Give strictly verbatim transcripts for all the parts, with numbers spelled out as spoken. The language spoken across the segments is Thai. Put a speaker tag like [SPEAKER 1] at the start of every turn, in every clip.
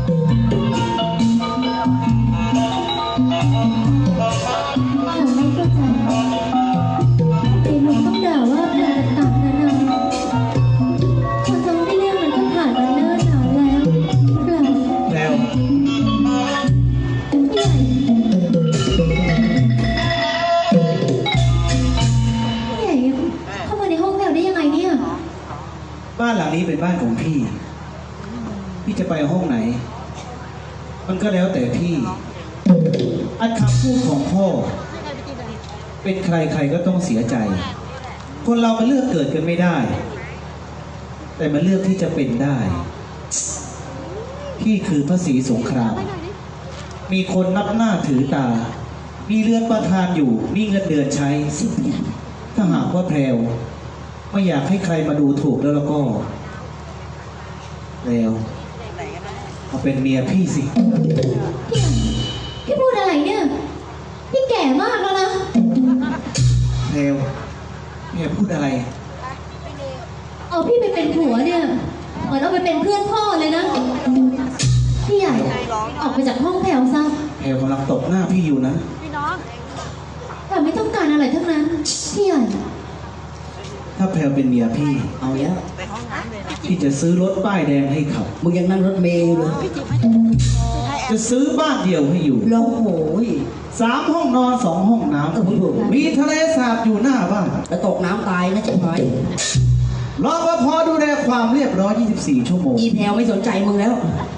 [SPEAKER 1] บ้านหลังนี้เป็นบ้านของพี่พี่จะไปห้องไหนมันก็แล้วแต่พี่อันคำพูดของพ่อเป็นใครใครก็ต้องเสียใจคนเรามันเลือกเกิดกันไม่ได้แต่มันเลือกที่จะเป็นได้พี่คือพระศรีสงครามมีคนนับหน้าถือตามีเรือนประทานอยู่มีเงินเดือนใช้ถ้าหากว่าแพรวไม่อยากให้ใครมาดูถูกแล้วแล้วก็แล้วเอาเป็นเมียพี่สิ
[SPEAKER 2] พี่พูดอะไรเนี่ยพี่แก่มากแล้วนะ
[SPEAKER 1] แพรวเมียพูดอะไร
[SPEAKER 2] เอาพี่ไปเป็นผัวเนี่ยเหมือนเอาไปเป็นเพื่อนพ่อเลยนะพี่ใหญ่ออกไปจากห้องแพรวซะ
[SPEAKER 1] แพรวกำลังตบหน้าพี่อยู่นะ
[SPEAKER 2] แต่ไม่ต้องการอะไรทั้งนั้นพี่ใหญ่
[SPEAKER 1] ถ้าแพรวเป็นเมียพี่
[SPEAKER 3] เอาแล้ว
[SPEAKER 1] พี่จะซื้อรถป้ายแดงให้ขับ
[SPEAKER 3] มึงยังนั่งรถเมล์เลย
[SPEAKER 1] จะซื้อบ้านเดียวให้อยู่
[SPEAKER 3] แล้วโหย
[SPEAKER 1] สามห้องนอนสองห้องน้ำมีทะเลสาบอยู่หน้าบ้าน
[SPEAKER 3] จะตกน้ำตายนะใช่ไหม
[SPEAKER 1] รปภดูแลความเรียบร้อยยี่สิบสี่ชั่วโมง
[SPEAKER 3] อีแพลวไม่สนใจมึงแล้ว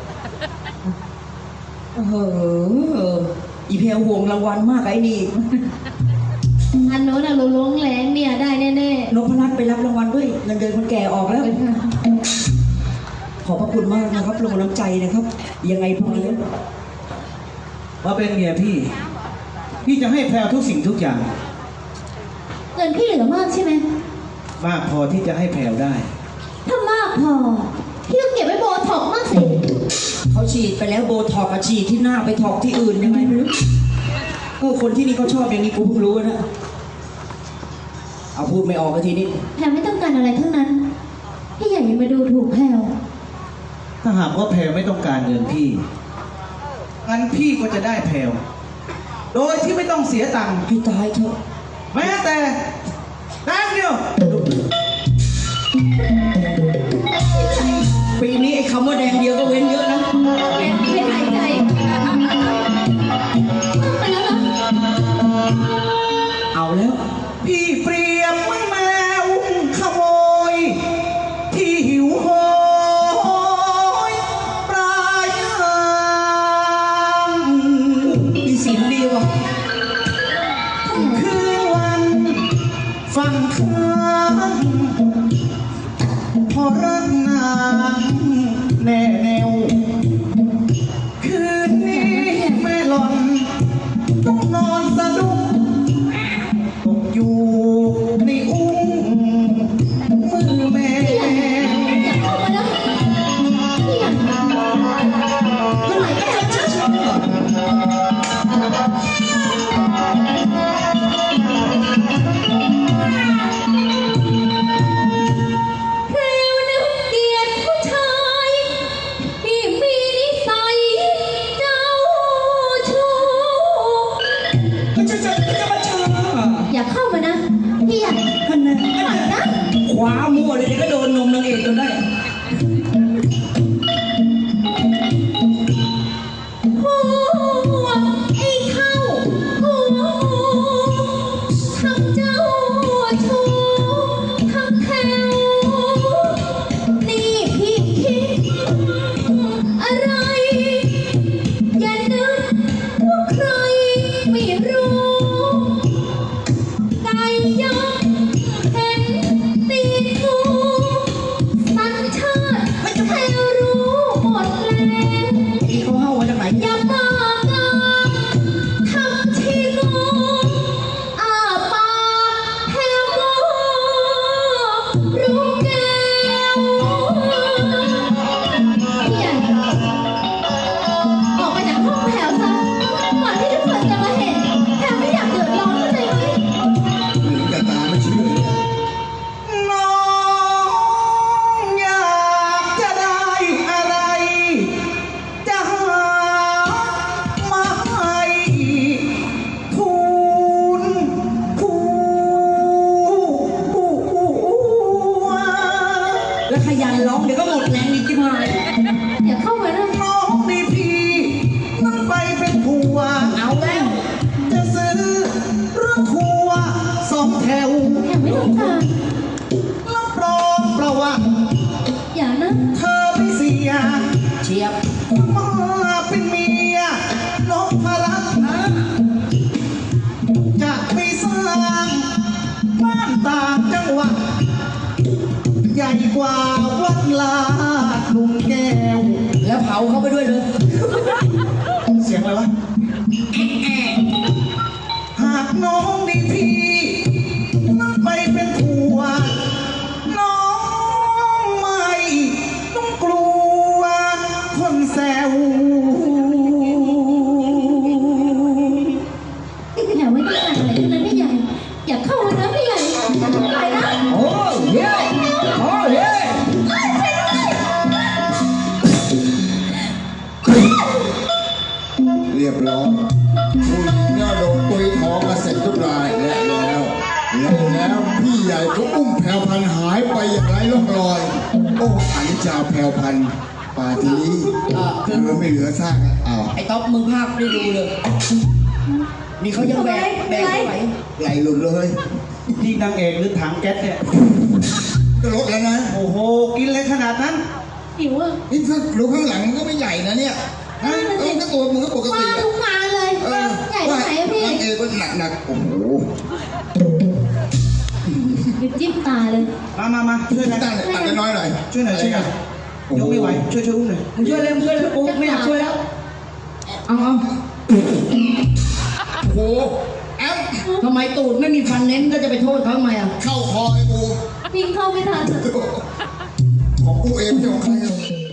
[SPEAKER 3] เอออีแพลวห่วงรางวัลมากไอ้นี่
[SPEAKER 2] อันโน้นอะเราล้วงแรงเนี่ยได้แน่
[SPEAKER 3] ๆนพรัตน์ไปรับรางวัลด้วยเงินเดือนคนแก่ออกแล้วขอบพระคุณมากนะครับลงน้ำใจนะครับยังไงพวกนี้
[SPEAKER 1] ว่าเป็นเมียพี่พี่จะให้แพรวทุกสิ่งทุกอย่าง
[SPEAKER 2] เงินพี่เหลือมากใช่ไหม
[SPEAKER 1] มากพอที่จะให้แพรวได้
[SPEAKER 2] ถ้ามากพอพี่ต้องเก็บไว้โบท็อกมากสิ
[SPEAKER 3] เขาฉีดไปแล้วโบท็อกกับฉีดที่หน้าไปท็อกที่อื่นยังไงไม่รู้เออคนที่นี่เขาชอบอย่างนี้กูเพิ่งรู้นะเอาพูดไม่ออกกันทีนี้
[SPEAKER 2] แพรไม่ต้องการอะไรทั้งนั้นพี่ใหญ่ยังมาดูถูกแพร
[SPEAKER 1] ถ้าหากว่าแพรไม่ต้องการเงินพี่งั้นพี่ก็จะได้แพรโดยที่ไม่ต้องเสียตังค์
[SPEAKER 3] ให้ตายเถอะ
[SPEAKER 1] แม้แต่แต้มเดียว
[SPEAKER 3] ปีนี้ไอ้คำว่าแดงเดียวก็เว้นเยอะนะ
[SPEAKER 2] แกไม่หายใจไปแล้วนะ
[SPEAKER 3] เอาแล้ว
[SPEAKER 1] พี่เปรียบเหมือนแมวขโมยที่หิวโหยปลายทาง
[SPEAKER 3] มีเสียงดีว่ะ
[SPEAKER 1] คืนวันฟังข้างพอรักนางแน่แนวคืนนี้แม่หล่อนต้องนอนสะดุ้งตกอยู่ในอุ้งมือแม่
[SPEAKER 2] อย่าเข้ามานะพี่อยากเมื่อไหร่ก็จะเจอฉัน
[SPEAKER 3] เชียบ
[SPEAKER 1] มาเป็นเมียนพรัตน์นะจะไปสร้างบ้านต่างจังหวัดใหญ่กว่าวัดลาดลุงแก้ว
[SPEAKER 3] แล้วเผาเขาไปด้วยเลย
[SPEAKER 1] เสียงอะไรวะ หากน้องได้พี่นั่งไปเป็นผัวน้องไม่ต้องกลัวคนแซว
[SPEAKER 2] แถวไม่ต้องการอะไรทั้งนั้นพี่ใหญ่อย่าเข้ามานะพี่ใหญ่ไปนะ
[SPEAKER 3] โอ้เย้โอ้เย้
[SPEAKER 4] เรียบร้อยผู้หญิงเนี่ยโดนตุยท้องมาเสร็จทุกรายและแล้วและแล้วพี่ใหญ่ก็อุ้มแพรวพันธุ์หายไปอย่างไร้ร่องรอย โอ้อนิจจาแพรวพันธุ์ป่าทีนี้เหลือไม่เหลือซากอ้าว
[SPEAKER 3] ไอ้ต๊อบมึงภาคได้ดูเลยนี่เขายังแบกแบกไม่ไหว
[SPEAKER 4] ไหลหลุดเลย
[SPEAKER 1] ที่นางเอกหรือถังแก๊สเนี่ย
[SPEAKER 4] ก็ลดแล้วนะ
[SPEAKER 1] โอ้โห กินเลยขนาดนั้น
[SPEAKER 2] หิวอ่ะ
[SPEAKER 4] นี่ถ้าดูข้างหลังมันก็ไม่ใหญ่นะเนี่ยฮะเออก็ตัวมึงก็ปก
[SPEAKER 2] มา
[SPEAKER 4] ติอะ
[SPEAKER 2] ทุกงานเลย
[SPEAKER 4] เออ
[SPEAKER 2] ใหญ่ที่ไหนอะพี่
[SPEAKER 4] นางเอกก็หนักหนักๆโอ้โห
[SPEAKER 2] จิ้มตาเลย
[SPEAKER 1] มามามาช่วยกัน
[SPEAKER 4] ตั้งตั้งน้อยๆหน่อย
[SPEAKER 1] ช่วยหน่อยช่วยหน่อยยกไม่ไหว ช่วยช่วยอุ้มหน่อย
[SPEAKER 3] มึงช่วยเลยมึงช่วยเลยกูไม่อยากช่วยแล้วเอาเอา
[SPEAKER 4] โอ้โหแอม
[SPEAKER 3] ทำไมตูดไม่มีฟันเน้นก็จะไปโทษเขาทำไมอ่ะ
[SPEAKER 4] เข้าคอไอ้กู
[SPEAKER 2] วิ่งเข้าไม่ทันอะ
[SPEAKER 4] ของกูเองไม่ใช่ของใครหรอก